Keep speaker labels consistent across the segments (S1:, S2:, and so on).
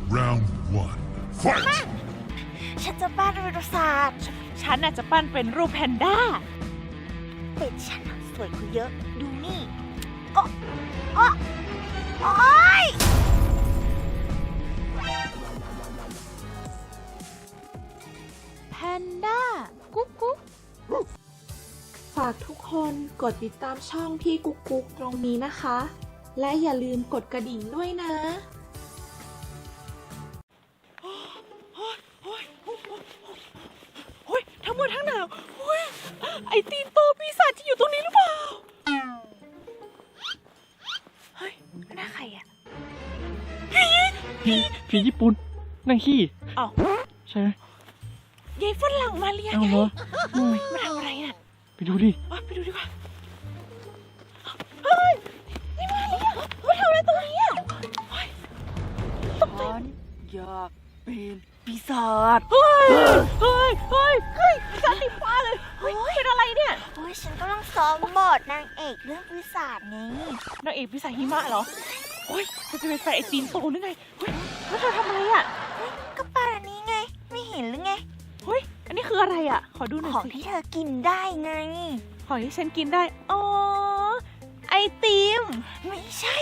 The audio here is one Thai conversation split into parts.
S1: Round 1. Fight!
S2: ฉันจะปั้นไดโนเสาร์
S3: ฉันอาจจะปั้นเป็นรูปแพนด้า
S2: เป็ดฉันน่ะสวยกว่าเยอะ ดูนี่โอ๊ย
S3: แพนด้า กุ๊กกุ๊ก
S4: ฝากทุกคนกดติดตามช่องพี่กุ๊กกุ๊กตรงนี้นะคะ และอย่าลืมกดกระดิ่งด้วยนะ
S3: เฮ้ยทั้งหมดทั้งหนาวเฮ้ยไอตีนโตปีศาจจะอยู่ตรงนี้หรือเปล่า เฮ้ยน่าใครอ่ะ
S5: ผีญี่ปุ่นนั่งขี้
S3: อ้าว
S5: ใช่ไหม
S3: ยายฝรั่งมาเรียน
S5: เอา
S3: ไง
S5: เหรอ
S3: มาทำอะไรน่ะ
S5: ไปดูดิ
S3: ไปดูดีกว่า เฮ้ย นี่มาเรียนมาทำอะไรตรงนี้อ่ะเฮ้ยตกใจ
S6: อยากเป็นปีศาจ
S3: เฮ้ยปีศาจติดฟ้าเลยเฮ้ยเป็นอะไรเนี่ย
S2: โอ๊ยฉันกำลังซ้อมบทนางเอกเรื่องปีศาจไง
S3: นางเอกปีศาจหิมะเหรอเฮ้ยเธอจะเป็นแฟนไอตีนโตหรือไงเฮ้ยแล้วเธอทำอะไรอ่ะ
S2: ก็ปลาอันนี้ไง ไม่เห็นหรือไง
S3: เฮ้ย อันนี้คืออะไรอ่ะ ขอดูหน่อย
S2: ของ
S3: สิ
S2: ที่เธอกินได้ไง
S3: ของที่ฉันกินได้ อ๋อ ไอติม
S2: ไม่ใช่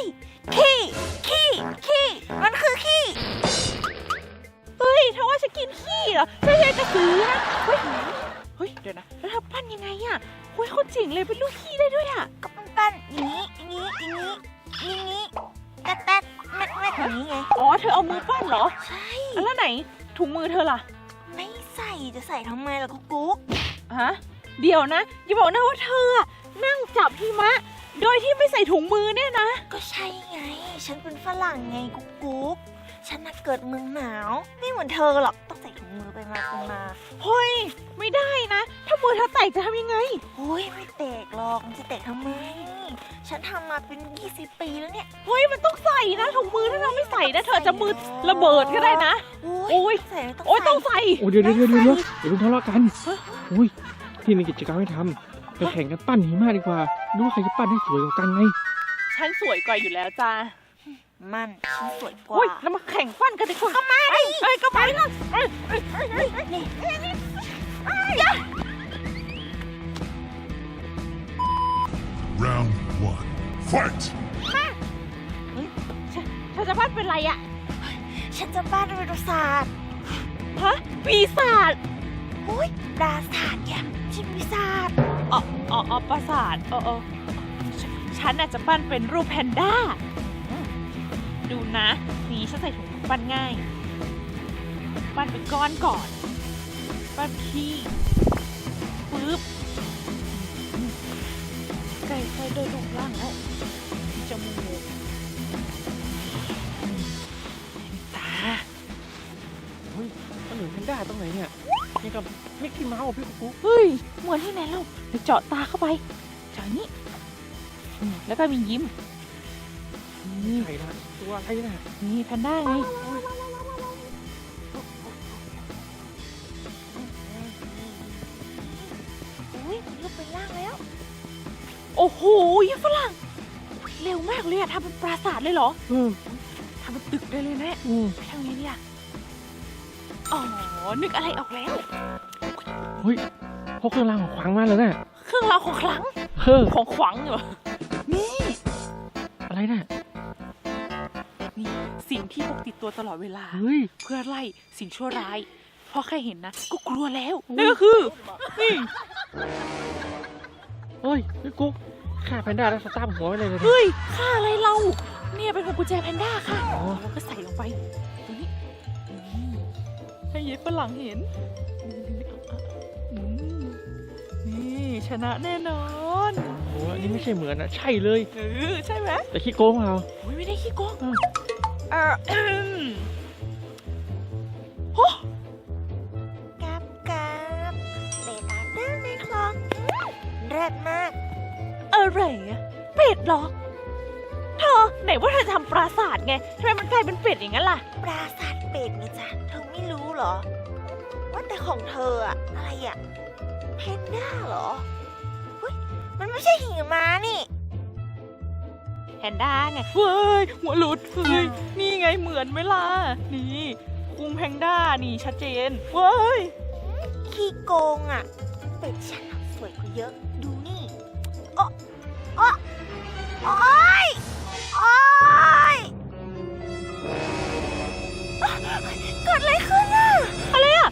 S2: ขี้มันคือขี้
S3: เฮ้ยเธอว่าฉันกินขี้เหรอใช่กระสือนะเฮ้ย เดี๋ยวนะ แล้วเธอปั้นยังไงอ่ะเฮ้ยเขาเจ๋งเลยเป็นลูกขี้ได้ด้วยอ่ะ
S2: ก็ปั้นอย่างนี้แต๊ดแม็ดอย่างนี้ไง
S3: อ๋อ เธอเอามือปั้นเหรอ
S2: ใช่
S3: แล้วไหนถุงมือเธอล่ะ
S2: ไม่ใส่จะใส่ทำไมล่ะกุ๊ก
S3: ฮะ เดี๋ยวนะ อย่าบอกนะว่าเธออะนั่งจับหิมะ โดยที่ไม่ใส่ถุงมือเนี่ยนะ
S2: ก็ใช่ไง ฉันเป็นฝรั่งไงกุ๊กฉันน่ะเกิดเมืองหนาว ไม่เหมือนเธอหรอก ต้องใส่ถุงมือไปมา
S3: เฮ้ย ไม่ได้นะ ถ้ามือเธอแตกจะทำยังไง
S2: โอ้ยไม่แตกหรอก มันจะแตกทำไม ฉันทำมาเป็น 20 ปีแล้วเนี่ย
S3: เฮ้ย มันต้องใส่นะถุงมือถ้าเราไม่ใส่นะเธอจะมือระเบิดก็ได้นะ โอ้ย
S2: ใส่
S3: โอ้ยต้องใส่
S5: โอ้เดี๋ยวอย่าเพิ่งทะเลาะกันอุ้ยพี่มีกิจกรรมให้ทำไปแข่งกันปั้นหิมะดีกว่าดูว่าใครจะปั้นได้สวยกว่ากันไง
S3: ฉันสวยกว่าอยู่แล้วจ้า
S2: มันฉันสวยกว่า
S3: เฮ้ยแล้วมาแข่งฟันกันดีกว่าก็มาดิเอ้ยก็มาดิเอ้ย
S1: Round 1. Fight!
S3: เธอจะปั้นเป็นไรอะ
S2: ฉันจะบ้านไดโนเสาร์
S3: ฮะปีศาจ
S2: โอ้ยปราสาทเนี่ยชิมปีศาจ
S3: อ๋อประสาทฉันอาจจะปั้นเป็นรูปแพนด้าดูนะนี่ฉันใส่ถุงปั้นง่าย ปั้นเป็นก้อนก่อน ปั้นขี้ปึ๊บใกล้ๆโดยรูปร่างแล้วจมูกตา
S5: เฮ้ยมันเหมือนแพนด้าตรงไหนเนี่ยนี่กับมิกกี้เมาส์พี่กุ๊ก
S3: เฮ้ยเหมือนที่ไหนเราไปเจาะตาเข้าไปเจาะนี้แล้วก็มียิ้ม
S5: นี่ใครนะตัวอะไรน่ะ
S3: นี่แพนด้าไง
S2: อุ้ยรูปเป็นร่างแล้ว
S3: โอ้โหยี่ฝรั่งเร็วมากเลยอะทำเป็นปราสาทเลยเหรอทำเป็นตึกได้เลยนะไปทางนี้เนี่ยอ๋อนึกอะไรออกแล้ว
S5: เฮ้ยพกเครื่องรางของขลังมาเลยน่ะ
S3: เครื่องรางของขลัง ของขวังเหรอนี่
S5: อะไรน่ะ
S3: นี่สิ่งที่พกติดตัวตลอดเวลา
S5: เฮ้ย
S3: เพื่อไล่สิ่งชั่วร้ายพอแค่เห็นนะก็กลัวแล้วนั่นก็คือนี่
S5: เฮ้ยพี่กุ๊กฆ่าแพนด้าแล้วสตาร์ทหัวไว้เลย
S3: เฮ้ยค่าอะไรเราเนี่ยเป็นพวงกุญแจแพนด้าค่ะ
S5: อ๋อ
S3: แล้วก็ใส่ลงไปตรงนี้ให้เย็บฝรั่งเห็นนี่ชนะแน่นอน
S5: โอ้อันนี้ไม่ใช่เหมือนนะใช่เลย
S3: ใช่ไหม
S5: แต่ขี้โกงเรา
S3: โอ้ยไม่ได้ขี้โกง โอ้
S2: กับเบตาเดินในคลองเลิศมาก
S3: อะไรอะเป็ดเหรอเธอไหนว่าเธอจะทำปราสาทไงทำไมมันกลายเป็นเป็ดอย่างนั้นล่ะ
S2: ปราสาทเป็ดไงจ๊ะเธอไม่รู้เหรอ ว่าแต่ของเธออะอะไรอะเพนด้าเหรอเฮ้ยมันไม่ใช่หิมะนี่
S3: แพนด้าไงเว้ยหัวหลุดเฮ้ยนี่ไงเหมือนไหมล่ะนี่คุงแพนด้านี่ชัดเจนเว้ย
S2: ขี้โกงอ่ะ เป็ดฉันอะสวยกว่าเยอะ ดูนี่โอ๊ะโอ๊ะโอ๊ยโอ๊ยเกิดอะไรขึ้นอ่ะ
S3: อะไรอ่ะ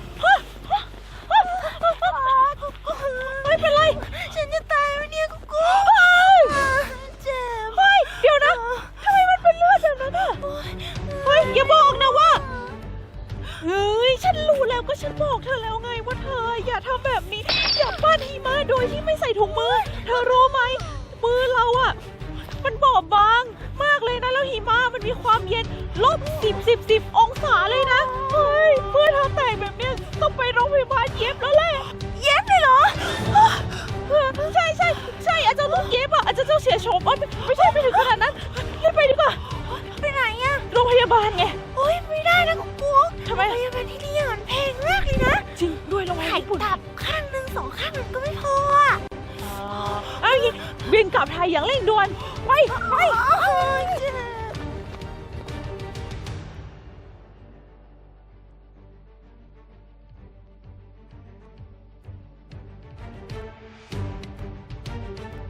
S3: ไม่เป็นไร
S2: ฉันจะตายไหมเนี่ยกุ๊กกุ๊กเจ็บ
S3: เฮ้ยเดี๋ยวนะทำไมมันเป็นเลือดแบบนั้นอ่ะเฮ้ยอย่าบอกนะว่าเฮ้ยฉันรู้แล้วก็ฉันบอกเธอแล้วไงว่าเธออย่าทำแบบนี้อย่าปั้นหิมะโดยที่ไม่ใส่ถุงมือเธอรู้ไหมมือเราอ่ะมันบอบบางมากเลยนะแล้วหิมะมันมีความเย็น-10 องศาเลยนะเฮ้ยเพื่อทำแต่งแบบเนี้ยต้องไปโรงพยาบาลเย็บแล้วแหละ
S2: เย็บเลยเหรอ
S3: ใช่อาจจะต้องเย็บอ่ะอาจจะต้องเสียโฉมไม่ใช่ไปถึงขนาดนั้นรีบไปดีกว่า
S2: ไปไหนอ่ะ
S3: โรงพยาบาลไง
S2: โอ๊ยไม่ได้นะกุ๊กกุ๊ก
S3: ทำไม
S2: โรงพยาบาลที่นี่มันแพงมากเลยนะ
S3: จริงด้วยโรงพยาบาล
S2: ถ่าย
S3: ญี่ปุ่น
S2: ตับข้างหนึ่ง2 ข้างมันก็ไม่พออ่ะ
S3: เอาอย่างงี้บินกลับไทยอย่างเร่งด่วนไป
S2: โอ๊